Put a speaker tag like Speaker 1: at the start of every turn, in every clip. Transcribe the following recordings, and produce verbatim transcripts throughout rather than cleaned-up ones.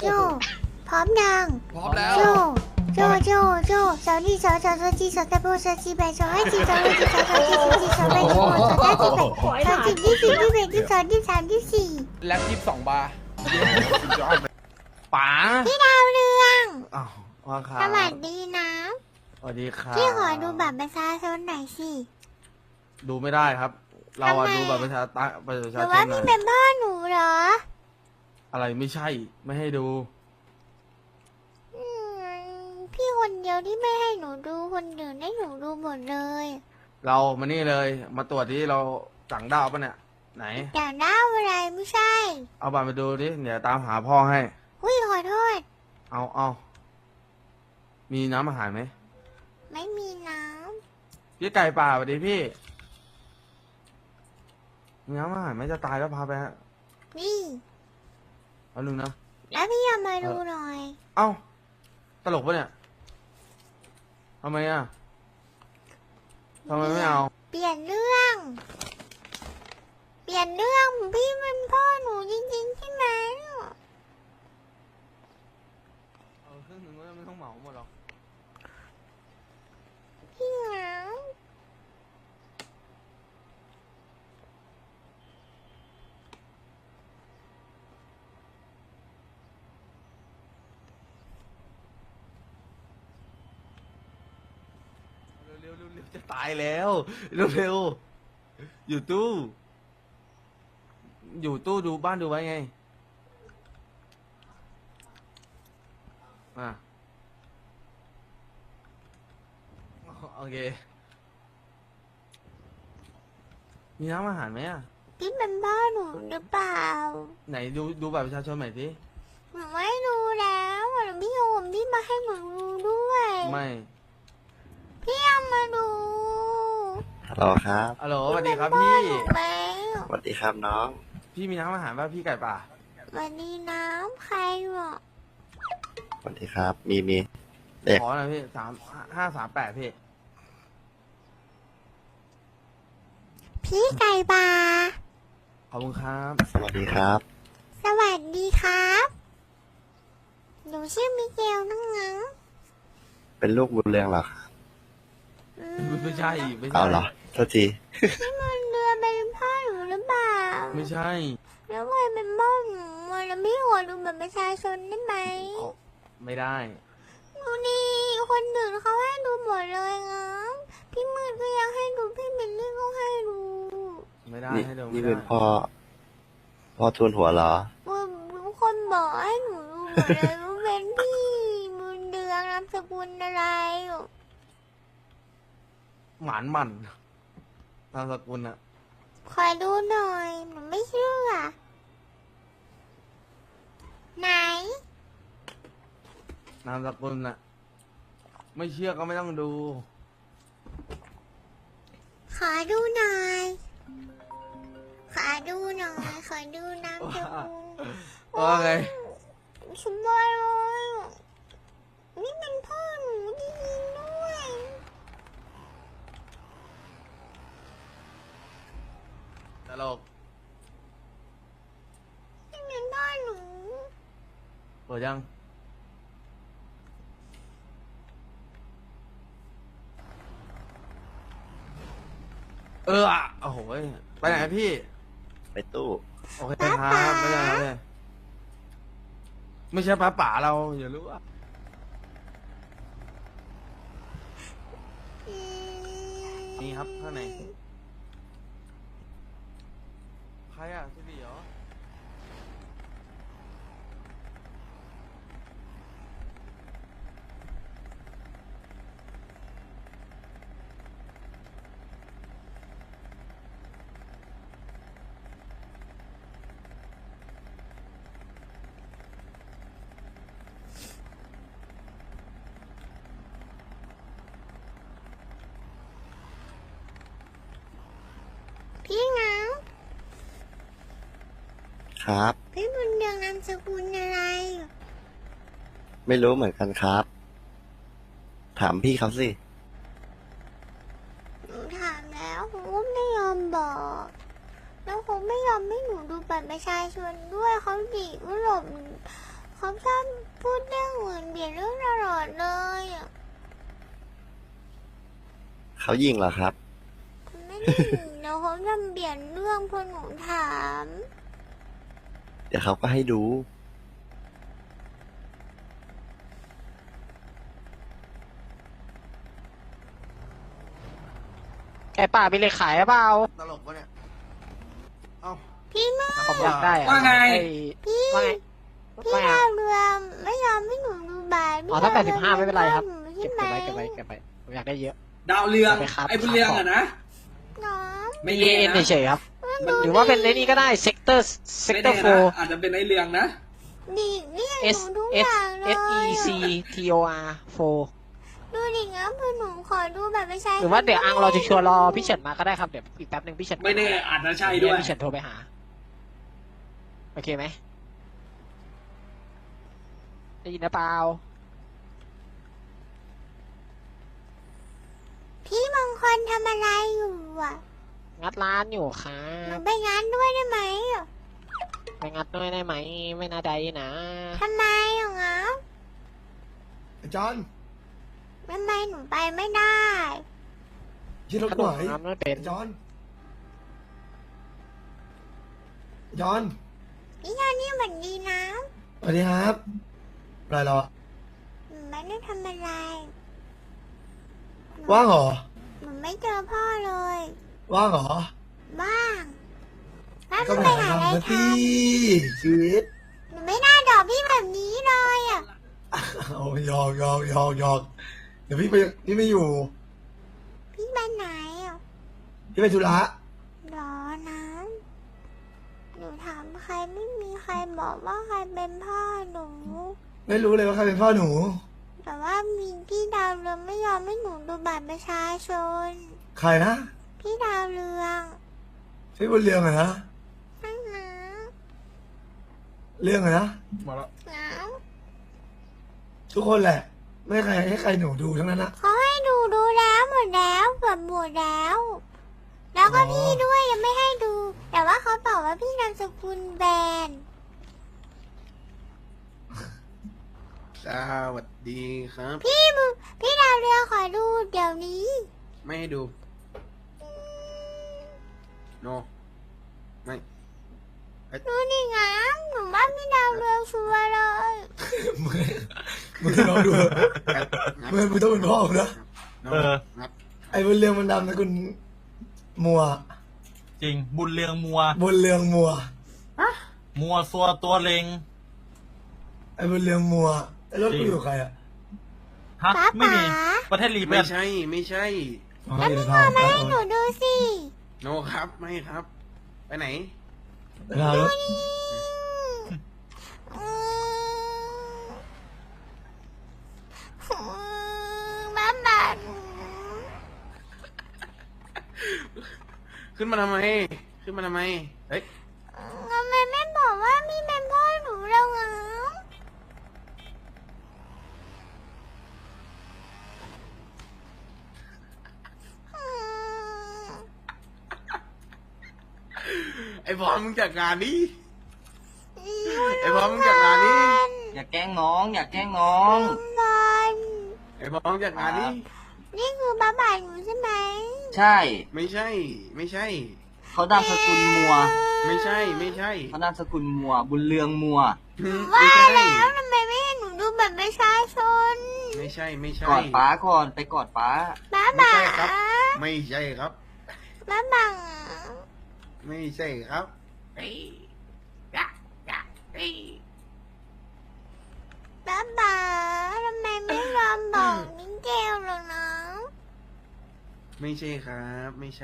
Speaker 1: โจพร้อมยัง
Speaker 2: พร้อมแล้ว
Speaker 1: โจโจโจโจสาวนี่สาวสาวสาวจีสาวตะโบสาวจีแบสาวให้จีสาวให้จีสาวสาวจีสาวจีสาวแบสาวสาวจีแบสาวจีที่สี่ที่แบที่สองที่สามที่สี่
Speaker 2: แล็บยี่สิบสองบาร์
Speaker 3: ป๋า
Speaker 1: พี่ดาวเรือง
Speaker 3: อ้าวว่าครับ
Speaker 1: สวัสดีนะ
Speaker 3: สวัสดีครับ
Speaker 1: พี่ขอดูบัตรประชาชนหน่อยสิ
Speaker 3: ดูไม่ได้ครับ เราอะ
Speaker 1: ทำไม
Speaker 3: ดูแบบประชาตะประ
Speaker 1: ห
Speaker 3: ชา
Speaker 1: รือ
Speaker 3: ช
Speaker 1: ว่าน
Speaker 3: หน่
Speaker 1: พี่
Speaker 3: อย
Speaker 1: เป็นพ่อหนูเหรอ
Speaker 3: อะไรไม่ใช่ไม่ให้ดู
Speaker 1: อืมพี่คนเดียวที่ไม่ให้หนูดูคนอื่นให้หนูดูหมดเลย
Speaker 3: เรามานี่เลย มาตรวจที่เราสั่งดาวปะเนี่ย ไหน
Speaker 1: แต่หน้าอะไรไม่ใช่
Speaker 3: เอาบัตรมาดูดิเดี๋ยวตามหาพ่อให้
Speaker 1: อุ้ยขอโทษ
Speaker 3: เอาเอามีน้ำอาหารไหม
Speaker 1: ไม่มีน้
Speaker 3: พี่ไก่ป่าสวัสดีพี่มีน้ำอาหารไหมจะตายแล้วพาไปฮะ
Speaker 1: ำนี่
Speaker 3: เอาลุงนะ
Speaker 1: แล้วพี่เอามาดูหน่อย
Speaker 3: เอ้าตลกปะเนี่ยทำไมอ่ะทำไมไม่เอา
Speaker 1: เปลี่ยนเรื่อง เปลี่ยนเรื่องพี่เป็นพ่อหนูจริงๆใช่ไหม
Speaker 3: เอาครึ่งหนึ่งก็ไม่ต้องเหมาหมดหรอก
Speaker 1: พี่เหงา
Speaker 3: เร็วๆเร็วๆจะตายแล้วเร็วๆอยู่ตู้ อยู่ตู้ดูบ้านดูไว้ไงอ่ะโอเคมีน้ำอาหารไหมอ่ะ
Speaker 1: พี่เป็นพ่อหนูหรือเปล่า
Speaker 3: ไหนดูดูบัตรประชาชนใหม่สิ
Speaker 1: หนูไม่ดูแล้วอ่ะพี่เอาผมพี่มาให้หนูดูด้วย
Speaker 3: ไม่
Speaker 1: พี่เอามาดู
Speaker 4: ฮัลโหลครับ
Speaker 3: ฮัลโหลสวัสดีครับ
Speaker 1: พ่อ
Speaker 3: พี่
Speaker 1: หนูไหม
Speaker 4: สวัสดีครับน้อง
Speaker 3: พี่มีน้ำอาหารป่ะพี่ไก่ป่า
Speaker 1: วันนี้น้ำใครหรอ
Speaker 4: สวัสดีครับ มีมีเด็ก
Speaker 3: ขอหน่อยพี่สามห้าสามแปดพี่
Speaker 1: พี่ไก่บา
Speaker 3: ขอบคุณครับ
Speaker 4: สวัสดีครับ
Speaker 1: สวัสดีครับ หนูชื่อมิเกลนั่งงั้ง
Speaker 4: เป็นลูกบุญเรืองเหรอครับ
Speaker 1: อื
Speaker 3: ไม่ใช่ไม่ใช่
Speaker 4: เอาเหรอโทษที
Speaker 1: พี่มันเรือเป็นพ่อหนูหรือเปล่า
Speaker 3: ไม่ใช่
Speaker 1: แล้วใครเป็นพ่อหนูอ่ะแล้วพี่ขอดูบัตรประชาชนได้ไหม
Speaker 3: เอาไม่ได้
Speaker 1: ดูนี่คนอื่นเขาให้ดูหมดเลยนะพี่มืดก็ยังให้ดูพี่เบลลี่ก็ให้ดู
Speaker 3: ไม่ได้
Speaker 4: นี่
Speaker 3: ให้ดูไม่
Speaker 4: นี่
Speaker 3: ได้
Speaker 4: เป็นพ่อ พ่อทุนหัวเหรอ
Speaker 1: ทุกคนบอกให้หนูดูหมดเลยว่าเป็นพี่บุญเดืองนามสกุลอะไร
Speaker 3: หมานหมันนามสกุลอะ
Speaker 1: ขอดูหน่อยหนูไม่เชื่อไหน
Speaker 3: นามสกุลอะไม่เชื่อก็ไม่ต้องดู
Speaker 1: ขอดูหน่อยขอดูหน่อยขอดูนามสกุล
Speaker 3: ว่าไง
Speaker 1: สบายเลยนี่เป็นพ่อหนูจริงๆด้วย
Speaker 3: ตลก
Speaker 1: นี่เป็นพ่อหนู
Speaker 3: เปิดยัง เอออะโอ้โหยไปไหนพี่
Speaker 4: ไปตู้
Speaker 3: โอเคครับไม่ได้ไม่ได้ไม่ใช่ป้าป๋าเราอย่ารู้ว่า
Speaker 1: อืม
Speaker 3: นี่ครับข้างในใครอ่ะสิริเหรอ
Speaker 1: พี่เหงา
Speaker 4: ครับ
Speaker 1: พี่บุญเดืองนามสกุลอะไร
Speaker 4: ไม่รู้เหมือนกันครับ ถามพี่เขาสิ
Speaker 1: หนูถามแล้วเขาก็ไม่ยอมบอก แล้วเขาไม่ยอมให้หนูดูบัตรประชาชนด้วยเขาดิว่าหลบเขาชอบพูดเรื่องอื่นเปลี่ยนเรื่องตลอดเลยอะ
Speaker 4: เขายิงเหรอครับ
Speaker 1: ไม่ได้เดี๋ยวเขาจะเปลี่ยนเรื่องพอหนูถาม
Speaker 4: เดี๋ยวเขาก็ให้ดู
Speaker 2: ไก่ป่ามีเลขขายหรือเปล่า
Speaker 3: ตลกปะเนี่ย เอ้า
Speaker 1: พี่มือ
Speaker 2: ผมอยากได้อะ
Speaker 5: ว่าไง
Speaker 2: อ้
Speaker 1: พี่
Speaker 2: ว่าไง
Speaker 1: พี่
Speaker 2: ว่าไง
Speaker 1: ดาวเรืองไม่ยอมให้หนูดูบาท
Speaker 2: อ๋อถ้าแปดสิบห้าไม่เป็นไรครับ
Speaker 1: ใช่
Speaker 2: เก็บ
Speaker 1: ไหม
Speaker 2: ไว้เก็บไว้เก็บไว้ผมอยากได้เยอะ
Speaker 5: ดาวเรือง
Speaker 2: ไปครับ
Speaker 5: ไอ้บุญเรืองอะนะ
Speaker 1: น้อง
Speaker 5: ไม่
Speaker 2: เอ
Speaker 5: แน่
Speaker 2: เอ็น
Speaker 5: นะ
Speaker 2: เฉยๆครับ
Speaker 5: มัน
Speaker 2: หรือว่าเป็นในนี้ก็ได้เซกเตอร์เซก
Speaker 5: ไม่
Speaker 2: เตอ
Speaker 5: แน่
Speaker 2: ร์โฟ
Speaker 5: นะอาจจะเป็นไอ้เรืองนะ
Speaker 1: ดิเนี่ยห
Speaker 2: S
Speaker 1: นูทุกอ
Speaker 2: S
Speaker 1: ย่างเลย
Speaker 2: S E C T O R โฟ
Speaker 1: ดูดิงั้นคือหนูขอดูแบบไม่ใช่
Speaker 2: หรือว่าเดี๋ยวอังรอจะชัวร์รอพี่เฉินมาก็ได้ครับเดี๋ยวอีกแป๊บหนึ่งพี่เฉิน
Speaker 5: ไม่แน่อาจจะใช่
Speaker 2: เดี๋
Speaker 5: ด้วย
Speaker 2: พี่เฉินโทรไปหาโอเคไหมได้ยินนะเปล่า
Speaker 1: พี่มงคลทำอะไรอยู่อ่ะ
Speaker 2: งัดร้านอยู่ครั
Speaker 1: หนู
Speaker 2: บ
Speaker 1: ไปงานด้วยได้ไหมอะ
Speaker 2: ไปงัดด้วยได้ไหมไม่น่าได้นะ
Speaker 1: ทำไมอ่ะงั้น
Speaker 6: จอน
Speaker 1: ทำไมหนูไปไม่ได้
Speaker 6: ยืนรถ
Speaker 2: ข
Speaker 6: ห
Speaker 2: น
Speaker 6: น่
Speaker 2: ม
Speaker 6: อย
Speaker 2: น้ำไม่เป็น
Speaker 6: จอนจอน
Speaker 1: พี่ยานี่เหมือนดีนะ
Speaker 6: สวัสดีครับอะไรเหรอ
Speaker 1: หนูไม่ได้ทำอะไร
Speaker 6: ว่างเหรอ
Speaker 1: หนูไม่เจอพ่อเลย
Speaker 6: ว่างเหรอ
Speaker 1: บ้างแล้วห
Speaker 6: ก็
Speaker 1: นู
Speaker 6: ไป
Speaker 1: ไป
Speaker 6: หา
Speaker 1: หาอะไร
Speaker 6: ทำนะ
Speaker 1: ท
Speaker 6: พี่ชีวิต
Speaker 1: ำหนูไม่น่าดอกพี่แบบนี้เลยอ่ะ
Speaker 6: เอาหยอกหยอกหยอกหยอกเดี๋ยวพี่ไปพี่ไม่อยู่
Speaker 1: พี่ไปไหนอ่ะ
Speaker 6: พี่ไปธุระ
Speaker 1: รอนะหนูถามใครไม่มีใครบอกว่าใครเป็นพ่อหนู
Speaker 6: ไม่รู้เลยว่าใครเป็นพ่อหนู
Speaker 1: แต่ว่ามีพี่ดาวเรืองไม่ยอมให้หนูดูบัตรประชาชน
Speaker 6: ใครนะ
Speaker 1: พี่ดาวเรือง
Speaker 6: พี่บุญเรืองอะนะ
Speaker 1: นั่งนะ
Speaker 6: เรื่องอะนะ
Speaker 3: มาแล้ว
Speaker 1: นะ
Speaker 6: ทุกคนแหละ ไม่ให้ใครให้ใครหนูดูทั้งนั้นนะ
Speaker 1: เขาให้ดูดูแล้วหมดแล้วเกือบหมดแล้ว แล้วก็
Speaker 6: อ๋อ
Speaker 1: พี่ด้วยยังไม่ให้ดู แต่ว่าเขาบอกว่าพี่นามสกุลแบน
Speaker 3: สวัสดีครับ
Speaker 1: พี่มึงพี่ดาวเรืองขอดูเดี๋ยวนี้
Speaker 3: ไม่ให้ดู โน ไม่
Speaker 1: ดูนี่ไงหนูว่าพี่ดาวเรืองชัวร์เลย
Speaker 6: มึงมึงลองดูมึงมึงต้องเป็นพ่อผมนะ
Speaker 3: โน
Speaker 7: เออ
Speaker 3: งัด
Speaker 6: ไอ้บุญเรืองมันดำนะคุณมัว
Speaker 7: จริงบุญเรืองมัว
Speaker 6: บุญเรืองมัว
Speaker 7: มัวซัวตัวเลง
Speaker 6: ไอ้บุญเรืองมัวไอ้รถกูอยู่กับใครอะ
Speaker 7: ฮะ
Speaker 1: ป๊า
Speaker 7: ไม่มี
Speaker 1: ป๋า
Speaker 7: ประเทศลี
Speaker 3: ไม่
Speaker 7: เป็น
Speaker 3: ใช่ ไม่ใช่
Speaker 6: อ๋อ
Speaker 1: แล้ว
Speaker 6: อยู่
Speaker 1: พี่
Speaker 6: ใน
Speaker 1: พอ
Speaker 6: ทาง
Speaker 1: มาให้หนูดูสิ
Speaker 3: โนครับ ไม่ครับ ไปไหน
Speaker 6: ในทางรถ
Speaker 1: อืมบ้าบัน
Speaker 3: ขึ้นมาทำไม ขึ้นมาทำไม เฮ้ย
Speaker 1: ทำไมไม่บอกว่าพี่เป็นพ่อหนูแล้วอ่ะ อืม
Speaker 3: ไอ้บอลมึงจัดการนี้ ไอ้บอลมึงจัดการนี้
Speaker 5: อย่าแกล้งน้อง อย่าแกล้งน้อง
Speaker 1: บอล
Speaker 3: ไอ้บอลมึงจัดการนี้
Speaker 1: นี่คือบ้าบันหนูใช่ไหม
Speaker 5: ใช่
Speaker 3: ไม่ใช่ ไม่ใช่
Speaker 5: เขานามสกุลมัว
Speaker 3: ไม่ใช่ ไม่ใช่
Speaker 5: เขานามสกุลมัว บุญเรืองมัว
Speaker 1: ว่า
Speaker 3: ไม่ใช่
Speaker 1: แล้วทำไมไม่ให้หนูดูบัตรประชาชน
Speaker 3: ไม่ใช่ ไม่ใช่
Speaker 5: กอดป้าก่อน ไปกอดป้า
Speaker 1: บ้า
Speaker 3: ไม่
Speaker 1: บั
Speaker 3: ใช่
Speaker 1: ง
Speaker 3: ครับ ไม่ใช่ครับ
Speaker 1: บ้าบัง
Speaker 3: ไม่ใช่ครับเอ้ยยะยะเอ้ย
Speaker 1: บ้าบังทำไมไม่ยอมบอกมิ้งเกลหรอกนะ
Speaker 3: ไม่ใช่ครับ ไม่ใช่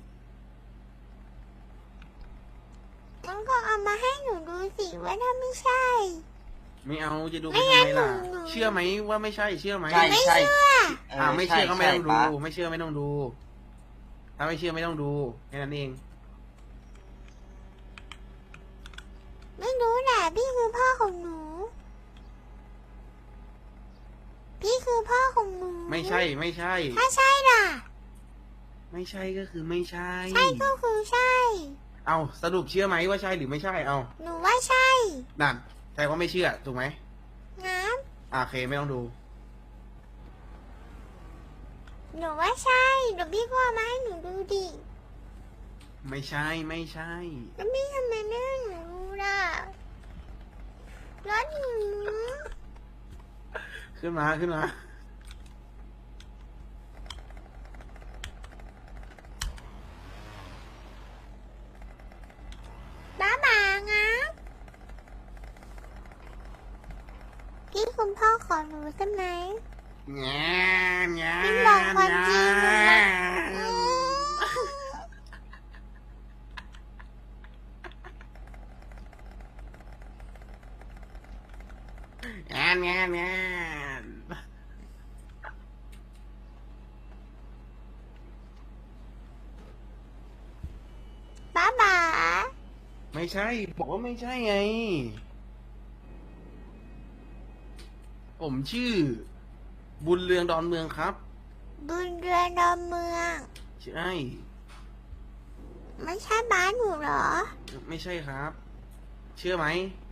Speaker 1: มันก็เอามาให้หนูดูสิว่าถ้าไม่ใช่
Speaker 3: ไม่เอาจะดูไป
Speaker 1: ไม่
Speaker 3: ทำ
Speaker 1: งั้น
Speaker 3: ไมล่ะ
Speaker 1: หนูหนู
Speaker 3: เชื่อไหมว่าไม่ใช่ เชื่อไหม
Speaker 5: ใช่
Speaker 1: ไม่
Speaker 5: ใช่
Speaker 1: เชื่อ
Speaker 3: อ่าไม่เชื่อก็ไม่ต้องดู
Speaker 5: ใช่
Speaker 3: ไม่เชื่อไม่ต้องดู ถ้าไม่เชื่อไม่ต้องดูแค่นั้นเอง
Speaker 1: ไม่รู้แหละพี่คือพ่อของหนู พี่คือพ่อของหนู
Speaker 3: ไม่ใช่ ไม่ใช่
Speaker 1: ถ้าใช่ล่ะ
Speaker 3: ไม่ใช่ก็คือไม่ใช่
Speaker 1: ใช่ก็คือใช่
Speaker 3: เอาสรุปเชื่อไหมว่าใช่หรือไม่ใช่ เอา
Speaker 1: หนูว่าใช่
Speaker 3: นั่น ฉแต่ว่าไม่เชื่อถูกไหม
Speaker 1: งั้น
Speaker 3: อ่าโอเคไม่ต้องดู
Speaker 1: หนูว่าใช่หนูพี่พ่อมาให้หนูดูดิ
Speaker 3: ไม่ใช่ไม่ใช่
Speaker 1: แล้วพี่ทำไมไม่ให้หนูดูล่ะรถหนู
Speaker 3: ขึ้นมาขึ้นมา
Speaker 1: บ้าบางับพี่คุณพ่อขอหนูใช่ไหม
Speaker 3: แง่แง่
Speaker 1: พี่บอกความจริงนะ
Speaker 3: แง่แง่แง่
Speaker 1: บ้าบา
Speaker 3: ไม่ใช่ บอกว่าไม่ใช่ไง ผมชื่อ บุญเรืองดอนเมืองครับ
Speaker 1: บุญเรือนดอนเมือง
Speaker 3: ใช่
Speaker 1: ไม่ใช่บ้านหนูเหรอ
Speaker 3: ไม่ใช่ครับ เชื่อไหม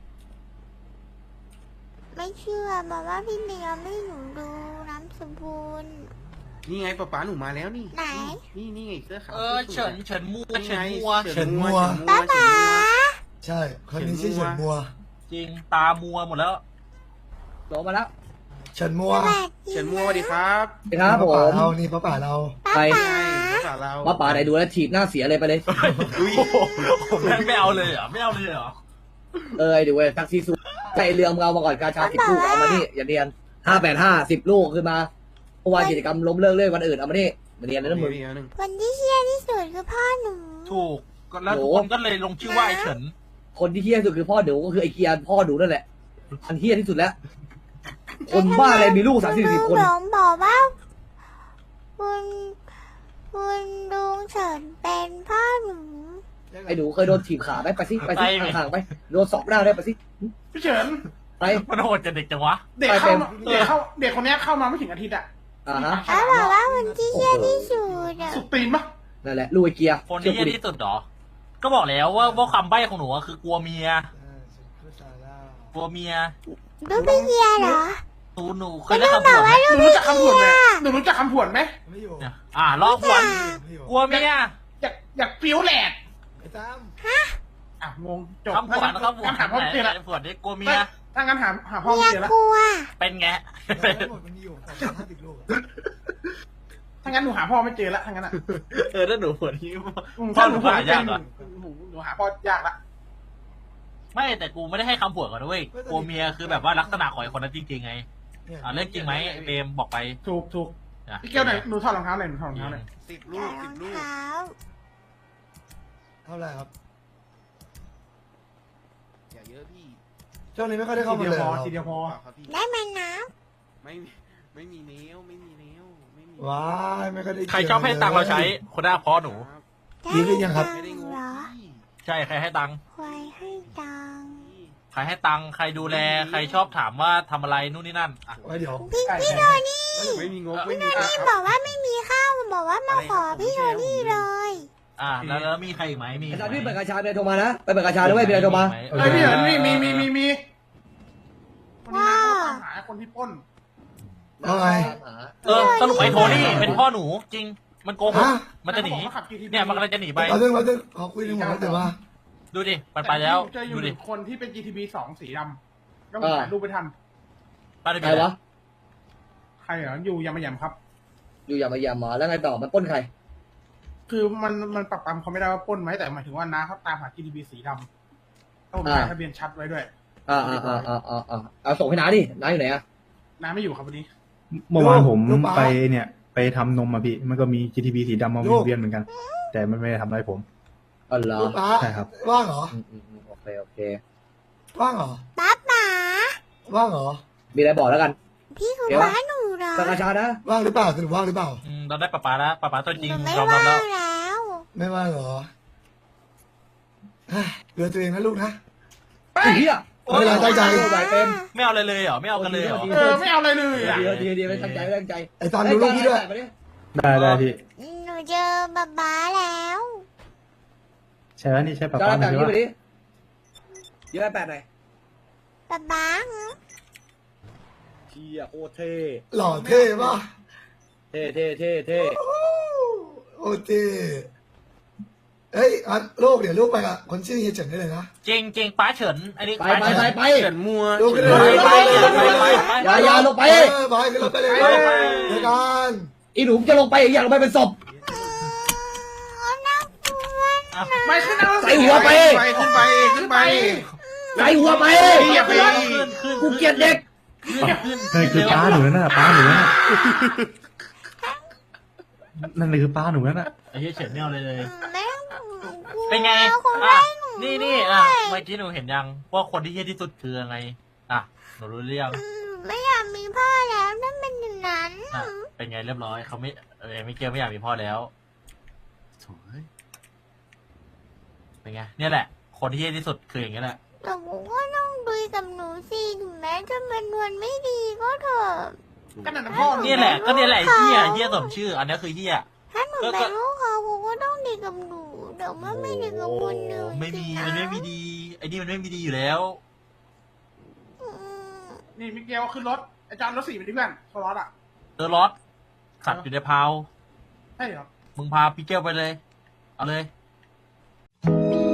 Speaker 1: ไม่เชื่อบอกว่าพี่เมียไม่หนูดูน้ำสมบูรณ์
Speaker 3: นี่ไงป๊าป๊าหนูมาแล้วนี่
Speaker 1: ไหน
Speaker 3: นี่นี่ไงเสื้อขาว
Speaker 7: เออเฉินเฉินมัว
Speaker 3: นี่
Speaker 7: เฉิ
Speaker 3: ไง
Speaker 7: นมัว
Speaker 3: เฉินมัว
Speaker 1: บ้า
Speaker 3: เฉิน
Speaker 1: บา
Speaker 3: มัว
Speaker 6: ใช่คนนี้ชื่อเฉินมัว
Speaker 7: จริงตามัวหมดแล้ว
Speaker 2: โหลมาแล้ว
Speaker 6: เฉินมัว
Speaker 1: แปลกจริง
Speaker 3: เฉินมัวสวัสดีครับ
Speaker 8: ครับผ
Speaker 6: ป้าม ป่าเรานี่ป้าป่าเรา
Speaker 1: ป้า
Speaker 8: ใคร
Speaker 1: ป๋า
Speaker 3: ภาษาเรา
Speaker 8: ป้าป่าไหนดูแล้วถีบหน้าเสียเลยไปเลย
Speaker 3: อุ้ย
Speaker 7: ผมแม่งไม่เอาเลยเหรอไม่เอาเลยเหรอ
Speaker 8: เออไอ้เดี๋ยวเว้ยแท็กซี่ซูไปเรือมเรามาก่อนกาชาสิบลูกเอามานี่อย่าเรียนห้าแปดห้าสิบลูกขึ้นมาเพราะว่ากิจกรรมล้มเลิกเลื่อนวันอื่นเอามานี่มาเรียนเลยนะมึง
Speaker 3: มีอันหนึ่ง
Speaker 1: คนที่เชี่ยที่สุดคือพ่อหนู
Speaker 7: ถูกก็แล้วทุกคนก็เลยลงชื่อว่าไอ้เฉิน
Speaker 8: คนที่เฮี้ยที่สุดคือพ่อหนูก็คือไอ้เกียร์พ่อหนูนั่นแหละอันเฮี้ยที่สุดแล้ว คนบ้าอะไรมีลูกสามสิบสี่คน
Speaker 1: ลุงบอกว่าคุณคุณลุงเฉินเป็นพ่อหนู
Speaker 8: ไอ้หนูเคยโดนถีบขาไหมไปสิไปสิห่างๆไปโดนสอกหน้าได้ไปสิ
Speaker 3: พี่เฉิน
Speaker 8: ไป
Speaker 7: มันโหดจะเด็กจังวะ
Speaker 3: เด็กเข้ามาเด็กเข้าเด็กคนเนี้ยเข้ามาไม่ถึงอาทิตย์อะ
Speaker 8: อ่าฮะ
Speaker 1: แล้วบอกว่าคนที่เชี่ยที่สุดอะ
Speaker 3: สุดตีนปะ
Speaker 8: นั่นแหละลูกไอ้เกียร์
Speaker 7: คน
Speaker 8: เชื่
Speaker 7: ที่
Speaker 8: อกู
Speaker 7: เหี้ย
Speaker 8: ดิ
Speaker 7: ที่สุดเหรอ ก็บอกแล้วว่าว่าคำใบ้ของหนูอะคือกลัวเมีย กลัวเมีย
Speaker 1: ลูกพี่เชียเหรอ
Speaker 7: หนูหนูเคยได้คำผวนไหม
Speaker 3: หนูรู้จักคำผวนไหมหนูรู้จักคำผวนไหม
Speaker 6: ไม่อยู่
Speaker 7: เนี่ยอ่าลอกผวน
Speaker 6: ไม่อยู่
Speaker 7: กลัวเมีย
Speaker 3: อยากอยากฟิวแหลก
Speaker 6: ไอ้ตั้ม
Speaker 3: อ่ะงงจบ
Speaker 7: คำผวนคำผวน
Speaker 3: งั้นถามพ่อ
Speaker 7: ไหน
Speaker 3: เจอ
Speaker 7: ไห
Speaker 3: ละ
Speaker 7: นผวนนี่กลัวเมีย
Speaker 3: ถ้างั้นหาหาพ่อ
Speaker 1: เมีย
Speaker 3: เจอละ
Speaker 1: กลัว
Speaker 7: เป็นไง
Speaker 6: ทั้งหมดมันมีอยู่สองร้อยห้าสิบลูกอะ
Speaker 3: ถ้างั้นหนูหาพ่อไม่เจอละถ้างั้นอ่ะ
Speaker 7: เออถ้าหนูผวนนี่
Speaker 3: อืม
Speaker 7: พ่อ
Speaker 3: ถ้า
Speaker 7: ห
Speaker 3: ห
Speaker 7: นู
Speaker 3: นู
Speaker 7: หา
Speaker 3: หาย
Speaker 7: ากเหรอ
Speaker 3: หนูหนูหาพ่อยากละ
Speaker 7: ไม่แต่กูไม่ได้ให้คำผวนก่อนนะเว้ยกลัวเมียคือแบบว่าลักษณะของไอ้คนนั้นจริงๆไง
Speaker 6: เนี่ย
Speaker 7: อ่าเรื่องจริงไหมไอ้เบมบอกไป
Speaker 3: ถูกถูก
Speaker 7: นะ
Speaker 3: พี่เกียวไหนอยหนูถอดรองเท้าหน่อยหนูถอดรองเท้าหน่อยสิบลู
Speaker 1: แต่
Speaker 3: ก
Speaker 1: ร
Speaker 3: สิ
Speaker 1: อบ ง
Speaker 3: ลูก
Speaker 1: เท้า
Speaker 6: เท่าไหร่ครับ
Speaker 3: อย่าเยอะพี่
Speaker 6: ช่วงนี้ไม่ค่อยได้เข้า
Speaker 3: ที
Speaker 6: มา
Speaker 3: เดียว
Speaker 6: เลย
Speaker 3: พอ
Speaker 6: เรา
Speaker 3: ทีเดียวพอ
Speaker 1: ได้ไหมน้
Speaker 3: ไม่มีไม่มีเนี้ยวไม่มีเนี้ยวไม่มี
Speaker 6: ว้ายไม่ค่อยได้
Speaker 7: ใครชอบให้ตังค์เราใช้คนหน้าพ่อหนู
Speaker 1: ำ
Speaker 6: ดีขึ้นยังครับ
Speaker 3: ไม่ได้งง
Speaker 1: เหรอ
Speaker 3: พี่
Speaker 7: ใช่ใครให้ตังค์
Speaker 1: ควายให้ตังค์
Speaker 7: ใครให้ตังค์ใครดูแล ใครชอบถามว่าทำอะไรนู่นนี่นั่นอ่ะ
Speaker 6: ไว้เดี๋ยว
Speaker 1: พี่พี่โดนี่
Speaker 3: ไม่มีงบไม่มี
Speaker 1: พี่บอกว่าไม่มีข้าวบอกว่ามาขอพี่โดนี่เลย
Speaker 7: อ่าแล้วแล้วมีใครอีกไหมมี
Speaker 8: อา
Speaker 7: อีก
Speaker 8: จารย์
Speaker 7: ไหม
Speaker 8: พี่เปิดกาชาไปโทรมานะไปเปิดกาชาด้วยไปโทรมา
Speaker 3: เอ้ยพี่เห็นมีมีมีมีมีคนนี้นะเขาตามหาคนที่ปล้น
Speaker 6: เอาไง
Speaker 7: เออสรุปไอ้โทนี่เป็นพ่อหนูจริง มันโกหก
Speaker 6: ฮะ
Speaker 7: มันจะหนี
Speaker 3: ขาบอกว่าขับ จี ที พี
Speaker 7: เนี่ยมันกำลังจะหนีไป
Speaker 6: เอาเรื่องเราจะขอคุยเรื่องหมดแล้วแต่ว่า
Speaker 7: ดูดิมันไปแล้ว
Speaker 3: เจออ
Speaker 7: ดู
Speaker 3: ยู่ห
Speaker 7: ดิ
Speaker 3: นึ่งคนที่เป็น จี ที พี สองสีดำก็มีถ่ายรูปไปทัน
Speaker 7: ไปเลย
Speaker 8: ใครวะ
Speaker 3: ใครเหรออยู่ยามายามครับ
Speaker 8: อยู่อย่ามาอย่ามาแล้วไงต่อมันปล้นใคร
Speaker 3: คือมันมันปรับปรำเขาไม่ได้ว่าปล้นไหมแต่หมายถึงว่าน้าเขาตามหา จี ที พี สีดำต้องถ่ายทะเบียนชัดไว้ด้วย
Speaker 8: อ่าอ่าอ่าอ่าอ่าอ่าเอาส่งให้น้าดิน้าอยู่ไหนอ่ะ
Speaker 3: น้าไม่อยู่ครับวันนี้
Speaker 9: เมื่อวานผม
Speaker 6: ลูกป๊า
Speaker 9: ไปเนี่ย ไปทำนมมาพี่ มันก็มี จี ที พี สีดำมา
Speaker 6: ลูก
Speaker 9: เวียนเหมือนกัน แต่มันไม่ได้ทำอะไรผม
Speaker 8: อ๋อเหรอ
Speaker 6: ลูกป้า
Speaker 9: ใช่ครับ
Speaker 6: ว่างเหรอ
Speaker 8: อืมอืมอืมโอเคโอเค
Speaker 6: ว่างเหรอ
Speaker 1: ป๊าป๋า
Speaker 6: ว่างเหรอ
Speaker 8: มีอะไรบอกแล้วกัน
Speaker 1: พี่คือ
Speaker 8: เดี๋ยว
Speaker 1: ป้าหนูเหรอ
Speaker 8: เปิดกาชานะ
Speaker 6: ว่างหรือเปล่าสรุปว่างหรือเปล่า
Speaker 7: อืมเราได้ป้าป๋าแล้วป้าป๋าตัวจริง
Speaker 1: หนูไม่
Speaker 7: ยอม
Speaker 1: ว่า
Speaker 7: รับ
Speaker 1: ง
Speaker 7: แล้ว
Speaker 1: แล้ว
Speaker 6: ไม่ว่างเหรอเฮ้ยเรือตัวเองนะลูกนะ
Speaker 8: ไอ้เหี้ย
Speaker 6: ไม่เป็นไรตั้งใจ
Speaker 8: ไหวเต็ม
Speaker 7: ไม่เอาอะไรเลยเหรอไม่เอากันเลยเหรอ
Speaker 3: เออไม่เอาอะไรเลยอ่ะ
Speaker 8: เดียวเดียวเดียวไม่ตั้งใจไม่ตั้งใจ
Speaker 6: ไอ้ตอนดูลูกพี่ด้วย
Speaker 9: ได้ได้พี่
Speaker 1: หนูเจอป๊าป๊าแล้ว
Speaker 9: ใช่แล้วนี่ใช่ป้า
Speaker 8: จะ
Speaker 9: ป้า
Speaker 8: รับ
Speaker 9: ไหม
Speaker 8: แบบนี้
Speaker 9: ว่า
Speaker 8: ไปดิยืมแปดหน่อย
Speaker 1: ป๊าป๊า
Speaker 8: เชียโคตรเท่
Speaker 6: หล่อเท่ป่ะ
Speaker 8: เท่เท่เท่เท่
Speaker 6: โอ้เท่เฮ้ยอันลูกเดี๋ยวลูกไปกับคนชื่อเฮียเฉินได้เลยนะ
Speaker 7: จริงจริงป้าเฉินอันนี้
Speaker 8: ไป
Speaker 7: ป้า
Speaker 8: ไป
Speaker 7: เฉิน
Speaker 8: ไปไป
Speaker 3: เฉินมัว
Speaker 6: ลูกขึ้น
Speaker 3: เฉิ
Speaker 6: เลย
Speaker 3: น
Speaker 6: ไป
Speaker 3: มัว
Speaker 6: ไปไปไป
Speaker 8: อย่าอย่าลงไป
Speaker 6: เออไปขึ้นรถไปเลย
Speaker 7: ไปไป
Speaker 6: เดี๋ยวกัน
Speaker 8: อีหนุ่มจะลงไปอยากลงไปเป็นศพ
Speaker 7: อ่ะ
Speaker 3: ไม่ขึ้นนะ
Speaker 8: ใส่หัวไป
Speaker 3: ขึ้นไปขึ้นไป
Speaker 8: ใส่หัวไป
Speaker 3: อย่าไป
Speaker 7: ขึ้นขึ้น
Speaker 8: กูเกลียดเด็ก
Speaker 7: ขึ้น
Speaker 9: นั่นคือป้าหนูนั่นน่ะป้าหนูนั่นน่ะนั่นคือป้าหนูนั่นน่ะ
Speaker 7: ไอ้เหี้ยเฉินเนี่ยเอาเลยเลย
Speaker 1: แม่
Speaker 7: เป็นไง
Speaker 1: เขา
Speaker 7: อ่ะ
Speaker 1: ได้หนู
Speaker 7: นี่นี่อ่ะเมื่อกี้หนูเห็นยังว่าคนที่เฮี้ยที่สุดคือยังไงอ่ะหนูรู้เรื่อง
Speaker 1: ไม่อยากมีพ่อแล้วนั่นเป็นอย่างนั้น
Speaker 7: อ่ะเป็นไงเรียบร้อยเขาไม่เออไม่เกี่ยวไม่อยากมีพ่อแล้วโถ่เอ้ยเป็นไงเนี่ยแหละ คนที่เฮี้ยที่สุดคืออย่างนี้แหละ
Speaker 1: แต่ผมก็ต้องดูกับหนูสิถึงแม้จะเป็นวันไม่ดีก็เถอะ
Speaker 3: ก็นั่นนะพ่อ
Speaker 7: เนี่ยแหละก็เนี่ยแหละไอ้เฮี้ยเฮี้ยสมชื่อ อันนี้คือเฮี้ย
Speaker 1: ถ้าหนู
Speaker 7: ก็ก็
Speaker 1: เป็นลูกเขาผมก็ต้องดีกับหนูเดี๋ยวมันไม่ดีกับคนอื่น
Speaker 7: ไม่มี
Speaker 1: สิคะ
Speaker 7: มันไม่มีดีไอ้นี่มันไม่มีดีอยู่แล้ว
Speaker 1: อืม
Speaker 10: นี่มิเกลขึ้นรถอาจารย์รถสี่ไปดิเพื่อนโซลอสอ่ะ
Speaker 7: เดอรถสัตว์อยู่ในพาว
Speaker 10: ใช่เหรอ
Speaker 7: มึงพาพี่เกลไปเลย เอาเลย
Speaker 1: มี